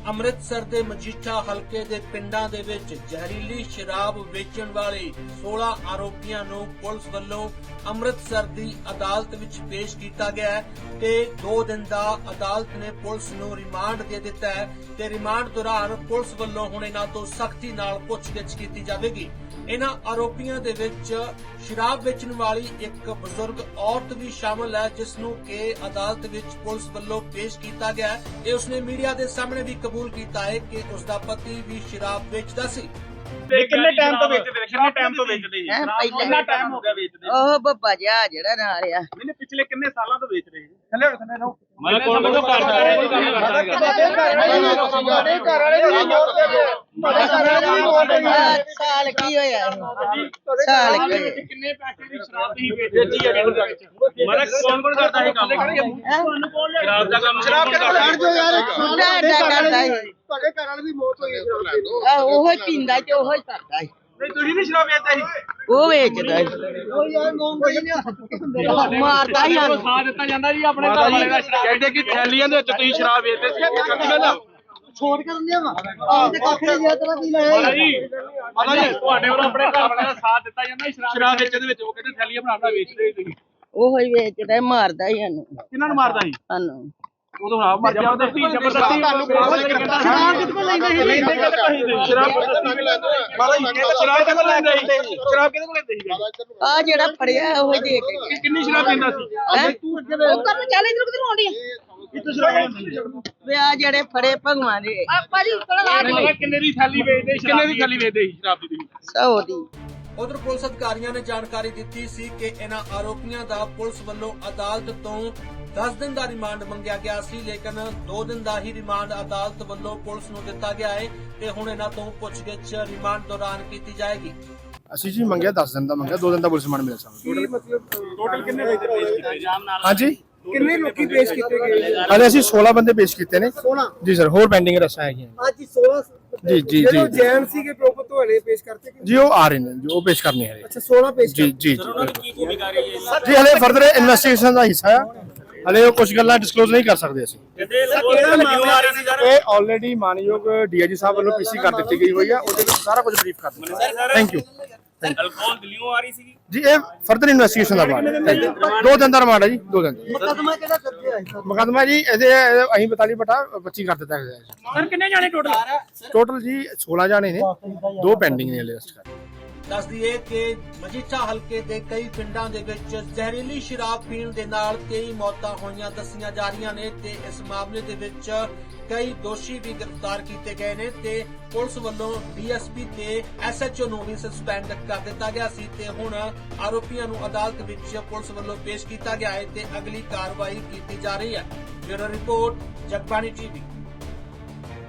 ਅੰਮ੍ਰਿਤਸਰ ਦੇ ਮਜੀਠਾ ਹਲਕੇ ਦੇ ਪਿੰਡਾਂ ਦੇ ਵਿੱਚ ਜ਼ਹਿਰੀਲੀ ਸ਼ਰਾਬ ਵੇਚਣ ਵਾਲੇ 16 ਆਰੋਪੀਆਂ ਨੂੰ ਪੁਲਿਸ ਵੱਲੋਂ ਅੰਮ੍ਰਿਤਸਰ ਦੀ ਅਦਾਲਤ ਵਿੱਚ ਪੇਸ਼ ਕੀਤਾ ਗਿਆ ਹੈ ਤੇ 2 ਦਿਨ ਦਾ ਅਦਾਲਤ ਨੇ ਪੁਲਿਸ ਨੂੰ ਰਿਮਾਂਡ ਦੇ ਦਿੱਤਾ ਹੈ ਤੇ ਰਿਮਾਂਡ ਦੌਰਾਨ ਪੁਲਿਸ ਵੱਲੋਂ ਹੁਣ ਇਹਨਾਂ ਤੋਂ ਸਖਤੀ ਨਾਲ ਪੁੱਛਗਿੱਛ ਕੀਤੀ ਜਾਵੇਗੀ। ਇਹਨਾਂ ਆਰੋਪੀਆਂ ਦੇ ਵਿੱਚ ਸ਼ਰਾਬ ਵੇਚਣ ਵਾਲੀ ਇੱਕ ਬਜ਼ੁਰਗ ਔਰਤ ਵੀ ਸ਼ਾਮਲ ਹੈ ਜਿਸ ਨੂੰ ਕਿ ਅਦਾਲਤ ਵਿੱਚ ਪੁਲਿਸ ਵੱਲੋਂ ਪੇਸ਼ ਕੀਤਾ ਗਿਆ ਹੈ ਤੇ ਉਸਨੇ ਮੀਡੀਆ ਦੇ ਸਾਹਮਣੇ ਵੀ ਕਬੂਲ ਕੀਤਾ ਹੈ ਕਿ ਉਸਦਾ ਪਤੀ ਵੀ ਸ਼ਰਾਬ ਵੇਚਦਾ ਸੀ। ਕਿੰਨੇ ਟਾਈਮ ਤੋਂ ਵੇਚਦੇ ਜੀ ਕਿੰਨਾ ਟਾਈਮ ਹੋ ਗਿਆ ਵੇਚਦੇ? ਉਹ ਬੱਬਾ ਜਿਹਾ ਜਿਹੜਾ ਨਾਲ ਆ ਮੈਨੇ ਪਿਛਲੇ ਕਿੰਨੇ ਸਾਲਾਂ ਤੋਂ ਵੇਚ ਰਹੇ ਜੀ? ਥੱਲੇ ਰਹੋ ਮੈਂ ਕੋਲ ਮੈਨੂੰ ਘਰ ਸਾਰੇ ਕੋਈ ਕੰਮ ਸਾਲ ਕੀ ਹੋਇਆ ਸਾਲ ਕੀ ਹੋਇਆ? ਕਿੰਨੇ ਪੈਸੇ ਦੀ ਸ਼ਰਾਬ ਤੁਸੀਂ ਵੇਚੀ ਹੈ ਪਿੰਡ ਦੇ ਵਿੱਚ? ਮਾਰਾ ਕੌਣ ਕਰਦਾ ਇਹ ਕੰਮ? ਤੁਹਾਨੂੰ ਕੌਣ ਲਿਆ ਸ਼ਰਾਬ ਦਾ ਕੰਮ? ਸ਼ਰਾਬ ਕਿਹੜਾ ਯਾਰ ਸੁੱਟਾ ਅੱਡਾ ਕਰਦਾ ਹੈ। ਤੁਹਾਡੇ ਘਰ ਵਾਲੇ ਦੀ ਮੌਤ ਹੋਈ ਹੈ। ਉਹੋ ਹੀ ਪੀਂਦਾ ਤੇ ਉਹੋ ਹੀ ਕਰਦਾ ਹੈ। ਨਹੀਂ ਤੁਸੀਂ ਨਹੀਂ ਸ਼ਰਾਬ ਵੇਚਦੇ ਸੀ? ਉਹ ਵੇਚਦਾ ਹੈ। ਉਹ ਯਾਰ ਮਾਰਦਾ ਹੀ ਸਾਨੂੰ। ਸਾਥ ਦਿੱਤਾ ਜਾਂਦਾ ਜੀ ਆਪਣੇ ਘਰ ਵਾਲੇ ਦਾ ਸ਼ਰਾਬ ਕਹਿੰਦੇ ਕਿ ਥੈਲੀਆਂ ਦੇ ਵਿੱਚ ਤੁਸੀਂ ਸ਼ਰਾਬ ਵੇਚਦੇ ਸੀ ਇਹ ਸੱਚੀ ਗੱਲ ਆ? ਛੋੜ ਕਰਨ ਦਿਆ ਵਾ ਆਹ ਤੇ ਕੱਖ ਨਹੀਂ ਜਿਆ ਤੇਰਾ ਕੀ ਲਾਇਆ ਮਾਤਾ ਜੀ ਤੁਹਾਡੇ ਵੱਲੋਂ ਆਪਣੇ ਘਰ ਵਾਲੇ ਦਾ ਸਾਥ ਦਿੱਤਾ ਜਾਂਦਾ ਸ਼ਰਾਬ ਵੇਚਣ ਦੇ ਵਿੱਚ। ਉਹ ਕਹਿੰਦੇ ਥੈਲੀਆਂ ਬਣਾਉਣਾ ਵੇਚਦੇ ਸੀ ਤੁਸੀਂ। ਉਹੋ ਹੀ ਵੇਚਦਾ ਮਾਰਦਾ ਹੀ ਸਾਨੂੰ। ਕਿਹਨਾਂ ਨੂੰ ਮਾਰਦਾ ਸੀ? ਸਾਨੂੰ ਉਦੋਂ ਹਾਂ ਮਰ ਜਾ ਉਹਦੇ ਧੀ ਜ਼ਬਰਦਸਤੀ ਸ਼ਰਾਬ ਕਿੱਥੋਂ ਲੈਂਦੇ ਸੀ? ਲੈਂਦੇ ਕਿੱਥੋਂ ਸ਼ਰਾਬ ਮਾਤਾ ਜੀ ਸ਼ਰਾਬ ਕਿੱਥੋਂ ਲੈਂਦੇ ਸੀ? ਸ਼ਰਾਬ ਕਿੱਥੋਂ ਲੈਂਦੇ ਸੀ? ਆ ਜਿਹੜਾ ਫੜਿਆ ਉਹ ਦੇ ਕੇ ਕਿੰਨੀ ਸ਼ਰਾਬ ਪੀਂਦਾ ਸੀ? ਉਹ ਕਰਨ ਚੱਲ ਇਧਰ ਕਿਧਰ ਆਉਂਦੀ ਆ ਕਿੱਥੋਂ ਸ਼ਰਾਬ ਲੈਂਦੇ ਵੇ ਆ ਜਿਹੜੇ ਫੜੇ ਭਗਵਾਂ ਦੇ ਭਾਜੀ ਕਿੰਨੇ ਦੀ ਥੈਲੀ ਵੇਚਦੇ? ਕਿੰਨੇ ਦੀ ਥੈਲੀ ਵੇਚਦੇ ਸੀ ਸ਼ਰਾਬ ਦੀ? 100 ਦੀ। ਉਧਰ ਪੁਲਿਸ ਅਧਿਕਾਰੀਆਂ ਨੇ ਜਾਣਕਾਰੀ ਦਿੱਤੀ ਸੀ ਕਿ ਇਹਨਾਂ ਆਰੋਪੀਆਂ ਦਾ ਪੁਲਿਸ ਵੱਲੋਂ ਅਦਾਲਤ ਤੋਂ 10 ਦਿਨ ਦਾ ਰਿਮਾਂਡ ਮੰਗਿਆ ਗਿਆ ਸੀ ਲੇਕਿਨ 2 ਦਿਨ ਦਾ ਹੀ ਰਿਮਾਂਡ ਅਦਾਲਤ ਵੱਲੋਂ ਪੁਲਿਸ ਨੂੰ ਦਿੱਤਾ ਗਿਆ ਹੈ ਤੇ ਹੁਣ ਇਹਨਾਂ ਤੋਂ ਪੁੱਛਗਿੱਛ ਰਿਮਾਂਡ ਦੌਰਾਨ ਕੀਤੀ ਜਾਏਗੀ। ਅਸੀਂ ਜੀ ਮੰਗਿਆ 10 ਦਿਨ ਦਾ ਮੰਗਿਆ 2 ਦਿਨ ਦਾ ਪੁਲਿਸ ਰਿਮਾਂਡ ਮਿਲਿਆ ਸਾਨੂੰ। ਟੋਟਲ ਕਿੰਨੇ ਵੇਚਦੇ ਪੇਸ਼ ਕੀਤੇ ਜਾਮ ਨਾਲ? ਹਾਂਜੀ ਕਿੰਨੇ ਲੋਕੀ ਪੇਸ਼ ਕੀਤੇ ਗਏ? ਹਾਲੇ ਅਸੀਂ 16 ਬੰਦੇ ਪੇਸ਼ ਕੀਤੇ ਨੇ। 16 ਜੀ ਸਰ, ਹੋਰ ਪੈਂਡਿੰਗ ਰਸਾਂ ਹੈਗੀਆਂ ਅੱਜ 16 ਜੀ ਜੀ ਜੀ ਜੈਨ ਸੀ ਕੇ ਪ੍ਰੋਪਰ ਤੁਹਾਡੇ ਪੇਸ਼ ਕਰਤੇ ਕਿ ਜੀ। ਉਹ ਆ ਰਹੇ ਨੇ ਜੋ ਪੇਸ਼ ਕਰਨੇ ਹੈ। ਅੱਛਾ 16 ਪੇਸ਼ ਜੀ ਜੀ ਜੀ ਹਲੇ ਫਰਦਰ ਇਨਵੈਸਟੀਗੇਸ਼ਨ ਦਾ ਹਿੱਸਾ ਹੈ। ਹਲੇ ਉਹ ਕੁਝ ਗੱਲਾਂ ਡਿਸਕਲੋਜ਼ ਨਹੀਂ ਕਰ ਸਕਦੇ ਅਸੀਂ। ਇਹ ਆਲਰੇਡੀ ਮਾਨਯੋਗ ਡੀਆਈਜੀ ਸਾਹਿਬ ਵੱਲੋਂ ਪੀਸੀ ਕਰ ਦਿੱਤੀ ਗਈ ਹੋਈ ਹੈ। ਉਹਦੇ ਵਿੱਚ ਸਾਰਾ ਕੁਝ ਬਰੀਫ ਕਰ ਦਿੱਤਾ। ਥੈਂਕ ਯੂ ਅਲਕੋਹਲ ਦਿੱਲੀੋਂ ਆ ਰਹੀ ਸੀ ਜੀ। ਇਹ ਫਰਦਰ ਇਨਵੈਸਟੀਗੇਸ਼ਨ ਦਾ ਬਾਅਦ 2 ਦਿਨ ਦਾ ਰਿਮਾਂਡ ਹੈ ਜੀ। 2 ਦਿਨ ਮੁਕੱਦਮਾ ਕਿਹੜਾ ਦਰਜ ਹੈ? ਮੁਕੱਦਮਾ ਜੀ ਇਹਦੇ ਅਸੀਂ 42/25 ਕਰ ਦਿੱਤਾ ਗਿਆ ਹੈ। ਸਰ ਕਿੰਨੇ ਜਾਣੇ ਟੋਟਲ? ਟੋਟਲ ਜੀ 16 ਜਾਣੇ ਨੇ, 2 ਪੈਂਡਿੰਗ ਨੇ ਲਿਸਟ ਕਰ। ਦੱਸ ਦਈਏ ਕਿ ਮਜੀਠਾ ਹਲਕੇ ਦੇ ਕਈ ਪਿੰਡਾਂ ਦੇ ਵਿੱਚ ਜ਼ਹਿਰੀਲੀ ਸ਼ਰਾਬ ਪੀਣ ਦੇ ਨਾਲ 23 ਮੌਤਾਂ ਹੋਈਆਂ ਦੱਸੀਆਂ ਜਾ ਰਹੀਆਂ ਨੇ ਤੇ ਇਸ ਮਾਮਲੇ ਦੇ ਵਿੱਚ ਕਈ ਦੋਸ਼ੀ ਵੀ ਗ੍ਰਿਫਤਾਰ ਕੀਤੇ ਗਏ ਨੇ ਤੇ ਪੁਲਿਸ ਵੱਲੋਂ ਡੀਐਸਪੀ ਤੇ ਐਸਐਚਓ ਨੂੰ ਵੀ ਸਸਪੈਂਡ ਕਰ ਦਿੱਤਾ ਗਿਆ ਸੀ ਤੇ ਹੁਣ ਆਰੋਪੀਆਂ ਨੂੰ ਅਦਾਲਤ ਵਿੱਚ ਪੁਲਿਸ ਵੱਲੋਂ ਪੇਸ਼ ਕੀਤਾ ਗਿਆ ਹੈ ਤੇ ਅਗਲੀ ਕਾਰਵਾਈ ਕੀਤੀ ਜਾ ਰਹੀ ਹੈ। Bureau report, Jagbani TV.